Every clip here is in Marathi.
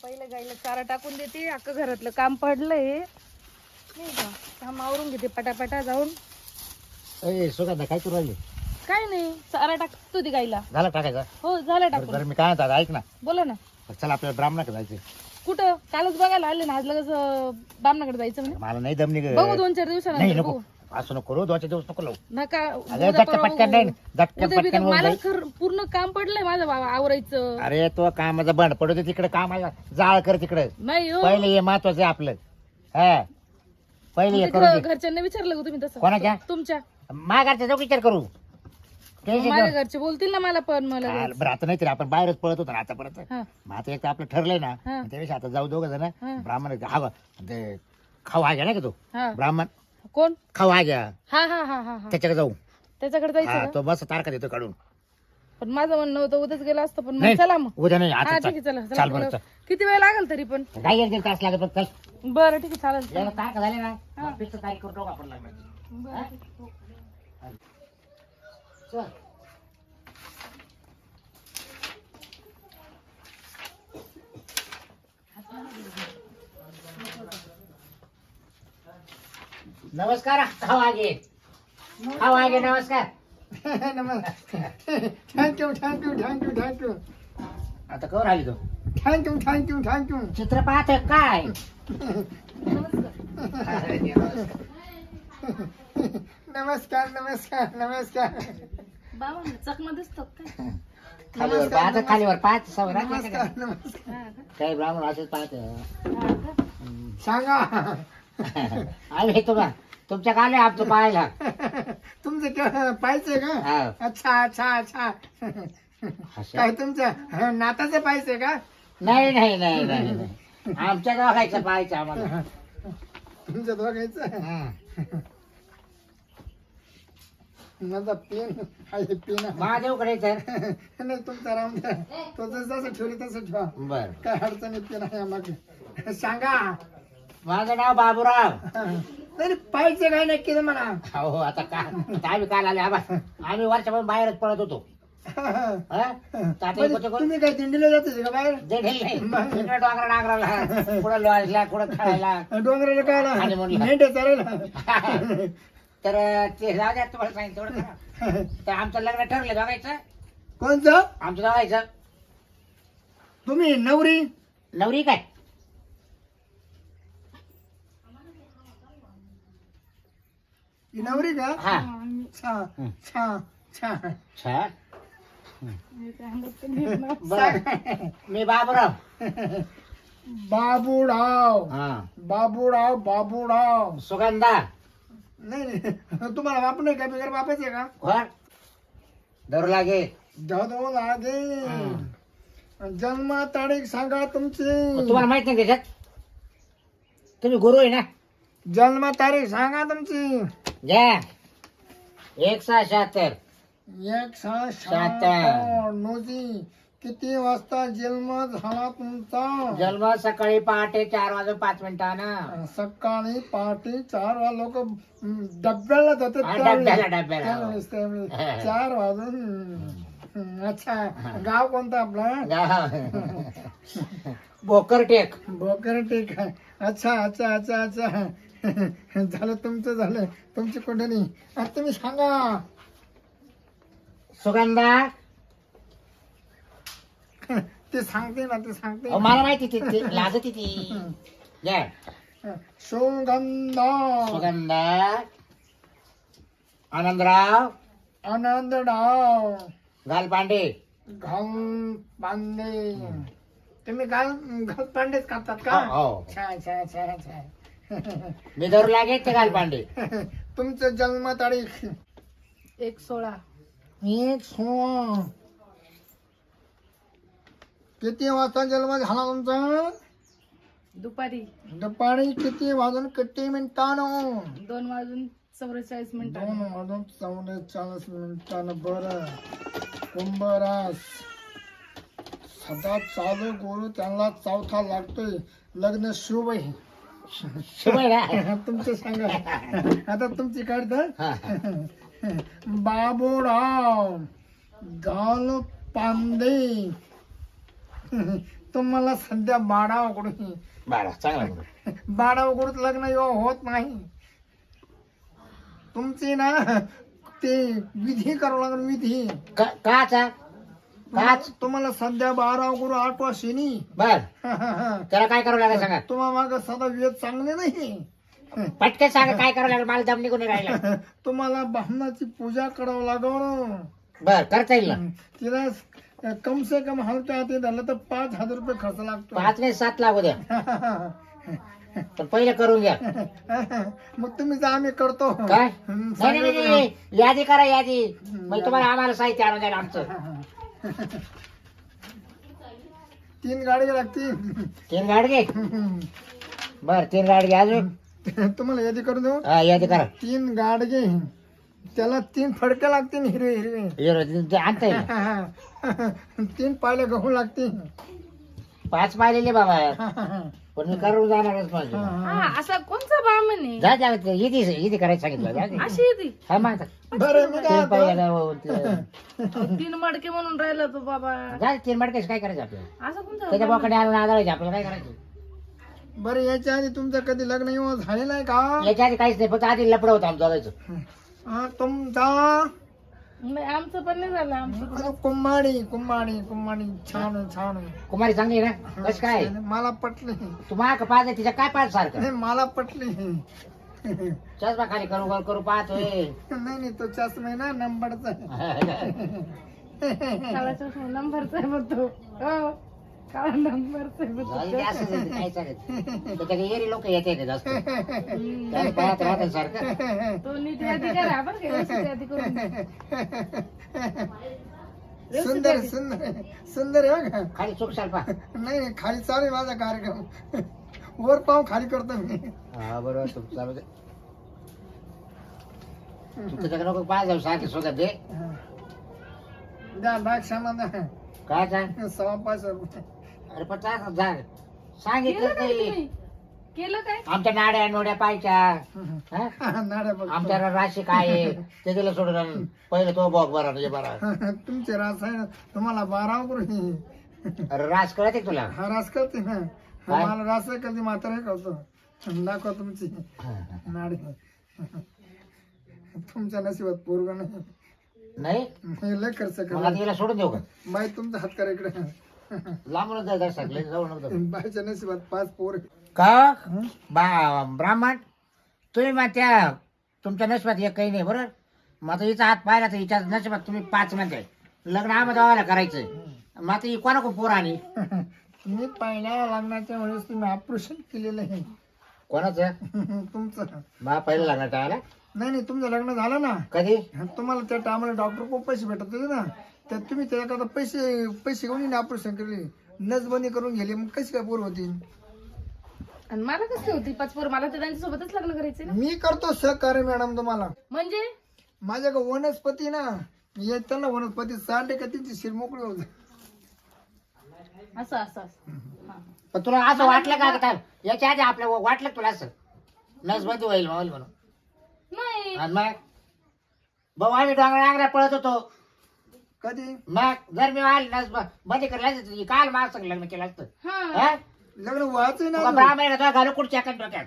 पहिले गाईला चारा टाकून देते, अख्खं घरातलं काम पडलंय नाही का, काम आवरून घेते पटापटा जाऊन. ए सुगंधा काय करू राहिली? काय नाही, चारा टाकतो ती गाईला. झालं टाकायचं? हो झालं टाकून. बरं मी काय म्हणतात ऐक ना, बोला ना. चल आपल्याला ब्राह्मणाकडे जायचं. कुठं? कालच बघायला आले ना, आज लगेच बामणाकडे जायचं म्हणे. मला नाही दमनी ग. बघू 2-4 नाही दिवसानंतर नको बघू. असं नको करू, 2-4 दिवस नको लावू. नका अगं झटका पटकन नाही, झटका उद्या पटकन मला होऊन जाईल. पूर्ण काम पडलंय माझं बाबा आवरायचं. अरे तो कामाचा बंड पडू दे तिकडे, कामाला जाळ कर तिकडे. नाही हो, पहिले हे महत्वाचं आहे आपलं. हा पहिले हे करू तिकडं दे. घरच्यांना विचारलं का तुम्ही तसं? कोणाच्या? तुमच्या. माघारचा जो विचार करू. टेन्शन माझ्या घेऊ. घरचे बोलतील ना मला पण. मला बरं आता नाही तरी आपण बाहेरच पळत होतो ना आतापर्यंत. हा. मग आता एक तर आपलं ठरलंय ना, हा. त्यावेळेस आता जाऊ दोघं जण हा. ब्राह्मण हवा ते खाऊ हा घ्या ना का तो हा. ब्राह्मण कोण? खाऊ हा घ्या हा हा हा हा हा त्याच्याकडे जाऊ. त्याच्याकडे जायचं हा का? तो बस तारखा देतो काढून. पण माझं म्हणणं होतं उद्याच गेलं असतं, पण नाही मग चला मग. उद्या नाही हा आता ठीक आहे, चला चाल चला. बरं चल. किती वेळ लागेल तरी पण? काय एक दीड तास लागत फक्त. चल बरं ठीक आहे, चालेल. याला तारखा झाली ना हा. मग फिक्स तारीख करून टाकू आपण लग्नाची. बरं, ठीक आहे. हो. चल. नमस्कार खाऊ आगे, खाऊ आगे नमस्कार. थँक्यू थँक्यू थँक्यू थँक्यू आता कवर आली तो थँक्यू थँक्यू थँक्यू. चित्र पाहत काय? नमस्कार नमस्कार नमस्कार बाबा चकमा दिसतात काय? खालीवर पाहत खालीवर पाहत सवय नमस्कार नमस्कार. हा का? काही ब्राह्मण असंच पाहत. हा का? सांगा आम्ही तुम्हा तुमच्या काले आमचं पाहायला. तुमचं पाहिजे का? हा. अच्छा अच्छा अच्छा. काय तुमचं नाताचं पाहिजे का? नाही नाही नाही नाही नाही. आमच्या गावायचं पाहायचं आम्हाला. तुमच्या दोघांचं हं. माझा पेन आहे पेन महादेवकडे तर नाही तुमचा राम द्या. तो जसं ठेवलं तसं ठेवा, बर. काय अडचण येते नाही आम्हाला. सांगा. माझं नाव बाबूराव. नाही पाहिजे काय नक्की म्हणा. हो आता आम्ही काल आले आम्ही वर्षापासून बाहेरच पळत होतो. हं? तर आता म्हणजे इकडचं कोण? तुम्ही काय दिंडीला जाते का बाहेर? जेढेल नाही. इकडं डोंगरा नांगराला, कुठं लॉजला, कुठं खेळायला. डोंगराला काय आणि म्हणलं. मेंढ्या चालायला. तर ते जाऊ द्या तुम्हाला सांगितलं तेवढं करा. तर आमचं लग्न ठरलं बघायचं. कोणचं? आमचं बघायचं. तुम्ही नवरी? नवरी काय? ही नवरी का? हा. छा छा छा. छा. मी काय म्हणत नाही ना. बरं. मी बाबूराव. बाबूराव हा. बाबूराव बाबूराव. सुगंधा. नाही नाही तुम्हाला बाप नाही का? बिगर बापाचे का? कोण? धरू लागे. जाधव लागे. जन्म तारीख सांगा तुमची. तुम्हाला माहित नाही त्याच्यात? तुम्ही गुरु आहे ना? जन्म तारीख सांगा तुमची. घ्या. 176. 176 नोजी. किती वाजता जन्म झाला तुमचा? जन्म सकाळी पहाटे 4:05 सकाळी पहाटे 4 वाजता लोक डब्याला जातात हा, त्यावेळेस. डब्याला. त्यावेळेस 4 वाजून. अच्छा गाव कोणतं आपलं? भोकरटेक. भोकर ठीक आहे. अच्छा अच्छा अच्छा अच्छा. झालं तुमचं झालं. तुमची कुठे आता तुम्ही सांगा. सुगंधा. ते सांगते ना ते सांगते. अहो, मला माहिती ती लाजती ती. घ्या. सुगंधा. सुगंधा. आनंदराव. आनंदराव. गालपांडे. घाल पांडे. तुम्ही घाल पांडेच करतात का? हो. छान छान छान छान. मी धरू लागे ते गालपांडे. तुमचं जन्म तारीख? 1/16. 1/16. किती वाजता जन्म झाला तुमचा? दुपारी दुपारी किती वाजून किती मिनिटानं? 2:44 2 वाजून 44 मिनिटानं. बरं. कुंभरास. सदा चालू गुरु त्यांना चौथा लागतोय. लग्न शुभ आहे. शुभ आहे ना? तुमचं सांगा. आता तुमची काढत. हा. बाबूराव. गाल पांडे. तुम्हाला सध्या बाडावाकडून बरं चांगला मुलगा. बाडावाकडून लग्न होत नाही. तुमची ना ते विधी करावं लागेल, विधी. काचा काच तुम्हाला सध्या 12 गुरु 8वा शनी. बर त्याला काय करावं लागेल सांगा. तुम्हा माग सदा वेद चांगले नाही. पटकन सांगा काय करावं लागेल, मला दम निघून राहिला. तुम्हाला ब्राह्मणाची पूजा करावं लागल. बर करता येईल ना. तिला कम से कम हलक्या हाती झालं तर 5,000 रुपये खर्च लागतो. 5 नाही 7 लागू द्या, पण पहिले करून घ्या. मग तुम्ही जा, आम्ही करतो. काय नाही नाही नाही, यादी करा यादी. मग तुम्हाला आम्हाला साहित्य आणून द्यायला आमचं. 3 गाडी लागतील. 3 गाडगे. बर 3 गाडगे अजून. तुम्हाला यादी करून देऊ. हा यादी करा. 3 गाडगे, त्याला 3 फडके लागतील हिरवे हिरवे. आणता येईल. 3 पायले गहू लागतील. 5 पाहिलेले बाबा, पण मी करून जाणारच माझे. हा असा कोणचा बामण आहे? जा जा इथे करायचं सांगितलं. जा दे. अशी आहे ती. हा मग बरं मी काय 3 पाहिजे. 3 मडके म्हणून राहिला तो बाबा. जा 3 मडकेच काय करायचं आपल्याला. असं कोणता त्याच्या बोकडे आणून आदळायचे आपल्याला. काय करायचं बरं याच्या आधी तुमचं कधी लग्न येऊन झालेलं आहे का? याच्या आधी काहीच नाही, फक्त आधी लपड होतं आमचं जायचं. तुमचा नाही आमचं पण नाही झालं. आमचं कुंभाडी कुंभाडी कुंभाडी छान आहे, छान आहे. कुमारी चांगली आहे ना. कस काय मला पटली. तू माग पाहत आहे, तिच्या काय पाहत सारखं. नाही मला पटली. चष्मा खाली करू करू पाहतोय. नाही तो चष्मा आहे ना नंबरचा आहे. काळाचा नंबरचा आहे बघ तो. हो काळा नंबरचा आहे बघ तो. जाऊ दे, असंच आहे, काय चालत. त्याच्या एरी लोक येते जास्त. त्याला पाहत राहतात सारखं. तो नीट यादी करा बरं का, व्यवस्थित यादी करून. सुंदर सुंदर सुंदर आहे का? खाली चूक साल पा. नाही नाही, खाली चालू आहे माझा कार्यक्रम. वर पाव खाली करतो मी. हा बरोबर चूक चालू दे. तू त्याच्याकडे नको पाहा जाऊ सारखे शोधात दे. द्या बॅग सामान द्या. काय सांग. 5.25 रुपये. अरे पण जा केलं सांगितलं काय नाही. तुम्ही? केलं काय? आमच्या नाड्या नोड्या पाहिच्या. हा? नाड्या बघ. आमच्या राशी काय आहे ते दिलं सोडून आण. पहिले तो बघ बरा म्हणजे बरा. तुमचे रास आहे ना, तुम्हाला 12 गुरु. अरे रास कळते का तुला. हा रास करते ना. काय? मला रास कधी म्हातारे करतो. दाखवा तुमची नाडी. तुमच्या नशिबात पोरग नाही. नाही हे लय खर्च मग करा. आता हिला सोडून देऊ का. बाई तुमचा हात करा इकडे. लांबूनच जाय दर्शक लय जाऊ नको. बाईच्या नशिबात 5 पोर. का ब्राह्मण तुम्ही मग त्या तुमच्या नशिबात एक काही नाही बरोबर. मग आता हिचा हात पाहिला तर हिच्या नशिबात तुम्ही 5 म्हणताय. लग्न आम्हाला गावाला करायचंय. मग आता ही कोणा पोर आणि मी पहिल्या लग्नाच्या वेळेस तुम्ही ऑपरेशन केलेलं आहे. कोणाचं. तुमचं. मग पहिलं लग्न टाळायला. नाही नाही, तुमचं लग्न झालं ना. कधी. तुम्हाला त्या टायमाला डॉक्टर खूप पैसे भेटत होते ना, तर तुम्ही त्याच्याकरता पैसे घेऊन ऑपरेशन केले, नसबंदी करून गेले. मग कशी काय पोर होती. आणि मला कसं होती 5 पोरं? मला तर त्यांच्यासोबतच लग्न करायचे ना. मी करतो सहकार्य मॅडम तुम्हाला. म्हणजे माझ्याकडे वनस्पती ना, येताना वनस्पती सांडे का तिची शिर मोकळी होत. असं असं असं. हा. पण तुला असं वाटलं का काय याच्या आधी आपल्या वाटलं का तुला असं नसबंदी होईल म्हणून. नाही आणि मग भाऊ आम्ही डोंगरा आंगऱ्या पळत होतो. कधी मग जर मी आली नस बंदी करायला काल माझं संग लग्न केलं असतं. हा हा? लग्न व्हायचंय तुका ना. ब्राह्मण तो घालू कुठच्या डोक्यात.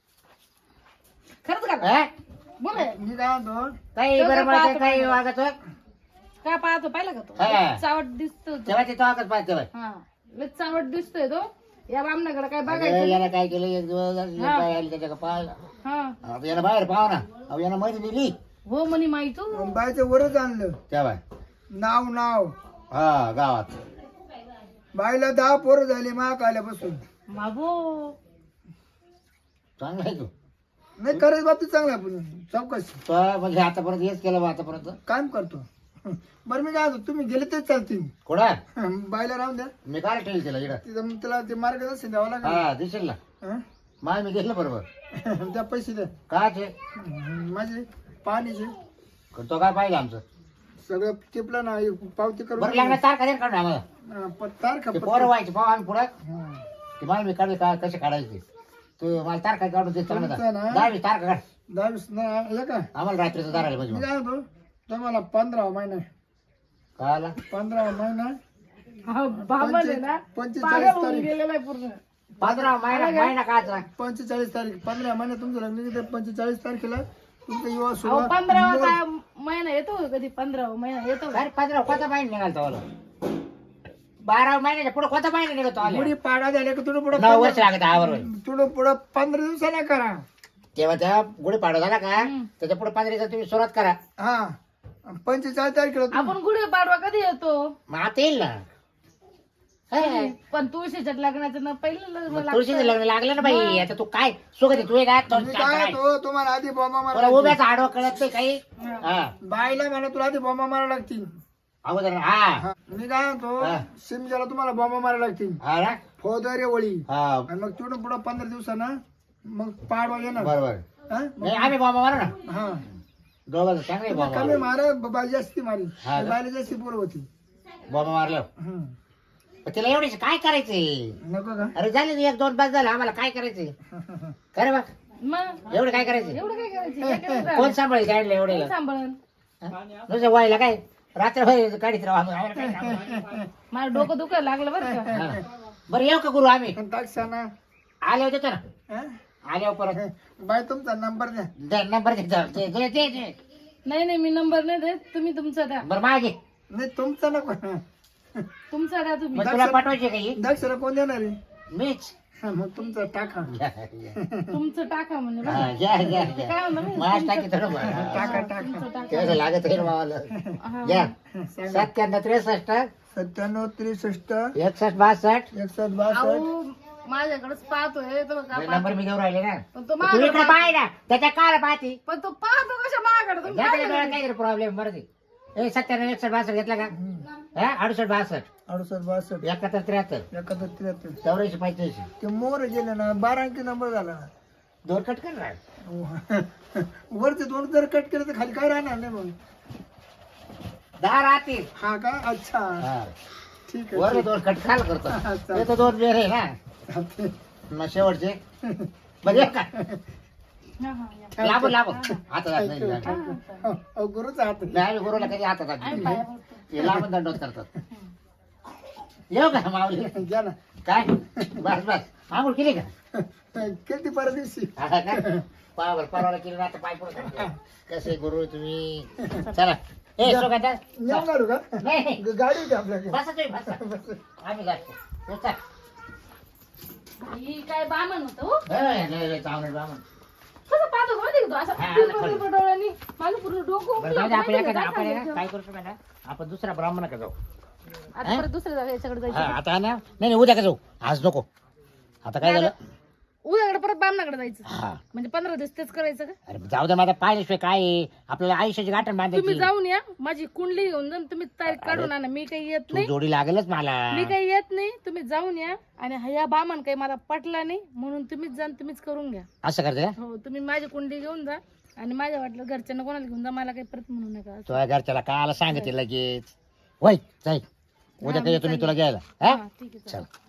खरंच का हा? बोल मी काय म्हणतो, काही बरं म्हणत काही वागत होय. काय पाहतो पाहिला का तो हा. चावट दिसतो तो. तेव्हा ते वागत पाहत तेव्हा. हा लय चावट दिसतोय तो. या बामणाकडे काय अगं, बघायचं. यानं काय केलं एक दिवस हा. त्याच्या पाहिलं. हा आता यानं बाहेर पाहा ना. अहो यानं मध्ये नेली हो म्हणे माहितो. बाईचं वरच आणलं. तेव्हा. नाव हा गावात. बाईला 10 पोरं झाली महाग आल्यापासून. बाबो चांगला आहे तू. नाही करायचं बाबतीत चांगलं आपण चौकशी तो म्हणजे आतापर्यंत हेच केलं बा आतापर्यंत. काम करतो. बरं मी काय म्हणतो, तुम्ही गेले तेच चालतील. कुठं बाईला राहून द्या. मी काय ठेवलं तिला इकडं. तिथं मग तिला ते मार्गदर्शन द्यावं लागेल. हा दिसेल ना. हं? माय मी घेतलं बरोबर. त्या पैसे द्या काय ते माझे पाणीचे तो काय पाहिलं आमचं. सगळं टिपलं ना, पावती बरं करून लागणार तारखा दे काढून आम्हाला. तारखा ते पोरं व्हायचे पाहू आम्ही पुढं. हं. ते मला मी काढले काय कसे काढायचे तू मला तारखा काढून दे चांगलं. तुमचं ना? 10 तारखा काढ 10 नाही का. आम्हाला रात्रीचं दाराला मी म्हणजे काय म्हणतो, तुम्हाला 15 महिना काय आला. 15 महिना हा, बामण आहे ना 45 पागल होऊन तारीख गेलेला आहे पूर्ण 15 महिना काचा 45 तारीख 15 महिन्यात तुमचं लग्न निघतं 45 तारखेला तुमचा युवा अहो सुरुवात 15 काय महिना येतो का कधी 15 महिना येतो का? अरे 15 कोणता महिना निघालतो आलो 12 महिन्याच्या पुढे कोणता महिना निघतो आलो गुढी पाडा झाल्या की तुला पुढे 9 वर्ष लागत आवर तुला पुढे 15 दिवसाला करा तेव्हा त्या गुढी पाडवा झाला का त्याच्या पुढे 15 दिवसात तुम्ही सुरुवात करा हा 45 तारखेला आपण गुढी पाडवा कधी येतो मग आता येईल ना हे. पण तुळशीच्या लग्नाचं ना पहिलं लग्न लागतं. तुळशीचं लग्न लागलं ना बाई आता तू काय सुगत तू का मी काय तो तुम्हाला आधी बॉम्बा तुला मारा उभ्याच आडवा कळत नाही काही हा बाईला मला तुला आधी बॉम्बा मारा लागतील अगोदर हा हा, मी काय म्हणतो हा. सिमजाला तुम्हाला बॉम्बा मारा लागतील हा ना? फौजदारी वळी हा आणि मग तिकडून पुढे 15 दिवसानं मग पाडवा येणार बरोबर हा? नाही आम्ही बॉम्बा मारू ना हा दोघं चांगले बॉम्बा कमी मारा बाई जास्ती मारी हा का? बाईला जास्ती पोर होती बॉम्बा मारलं हम्म. पण तिला एवढीच काय करायचंय नको का अरे झाले ना 1-2 बस झालं आम्हाला काय करायचंय खरं बा मग एवढं काय करायचं एवढं काय करायचं हे करायचं. कोण सांभाळेल काढलं कोण एवढे सांभाळन नुसतं व्हायला काय रात्र काढीत राहू आम्हाला काय सांभाळायचं? मला डोकं दुखायला लागलं बरं का हा. बरं येऊ का गुरु आम्ही टाकसाना आल्यावर देतो ना आल्यावर परत बाई तुमचा नंबर द्या नंबर दे नाही नाही मी नंबर नाही देत तुम्ही तुमचा द्या बरं मागे नाही तुमचा नको तुमचा द्या तुम्ही मग तुला पाठवायचे काही दक्षरा कोण देणार आहे मीच हा, मग तुमचा टाका तुमचं टाका म्हणजे बरं. हा, घ्या घ्या घ्या काय म्हणलं मी? मास टाकी थोडं टाका टाका तुमचं टाका तेवढं लागत आहे ना मावाला हा. घ्या सांगा 97 97 63 61 62 61 62 अहो माझ्याकडेच पाहतोय तो का नंबर मी घेऊन राहिले ना पण तो तू माझ्याकडे इकडे पाय ना त्याच्या काल पाहते पण तो पाहतो कशा माझ्याकडे तुम्ही घ्या काय त्याच्या डोळ्यात करता? काहीतरी प्रॉब्लेम बरं ते 97 61 62 घेतला का हा 68 62 68 62 71 73 71 73 84 85 ते मोर गेले ना 12 अंकी नंबर झाला ना दोन कट कर ना वरचे दोन जर कट केले तर खाली काय राहणार नाही मग 10 राहतील हा का अच्छा हा. ठीक वर आहे दोन कट खाल करतो हा, ते तर दोन बेर आहे ना मग शेवटचे बघ का हा, हा, या. लांबून हातात हात नाही हा, नाही, हा. गुरुचा हात आहे. आम्ही गुरुला कधी हातात हात आम्ही नाही. पाया पडतो. ते लांबून दंडोत करतात येऊ का माऊली घ्या ना काय बस बस आंघोळ केली का किती परत दिवशी हा का? परवाला केली ना आता पाय पडतो कसे गुरु तुम्ही चला ए सुगंधा येऊन काढू का नाही नाही. गाडी होती आपल्याकडे बसा तुम्ही बसा आम्ही जातो तू चल. ही काय बामण होतं हो ए, लय, लय चांगलं बामण. कसं पाहतो का माहिती का तो असं हा, पिरपळ खरं. पिरपळ डोळ्यांनी माझं पूर्ण डोकं बरं जाऊ दे, आपण माहिती एखादा का? आपण काय आहे ना, सांगायचं? काय करू शकतो ना आपण दुसऱ्या ब्राह्मणाकडे जाऊ आता परत दुसऱ्या जागा याच्याकडे हा जायचं आता आहे ना नाही नाही उद्या का जाऊ आज नको आता काय झालं उद्याकडे परत बामणाकडे जायचं हा म्हणजे 15 दिवस तेच करायचं का अरे जाऊ दे माझा पाहिल्याशिवाय काय आहे? आपल्याला आयुष्याची गाठण तुम्ही बांधायची जाऊन या माझी कुंडली घेऊन जा तुम्ही तारीख काढून आणा मी काही येत तू नाही जोडी लागेलच मला मी काही येत नाही तुम्ही जाऊन या आणि ह्या बामण काही मला पटला नाही म्हणून तुम्हीच जा आणि तुम्हीच करून घ्या असं करते का हो तुम्ही माझी कुंडली घेऊन जा आणि माझ्या वाटलं घरच्यांना कोणाला घेऊन जा मला काही परत म्हणू नका तुझ्या घरच्याला काला सांगते लगेच वय जाई उद्या काही तुम्ही तुला घ्यायला हा हा, ठीक आहे चालेल. चल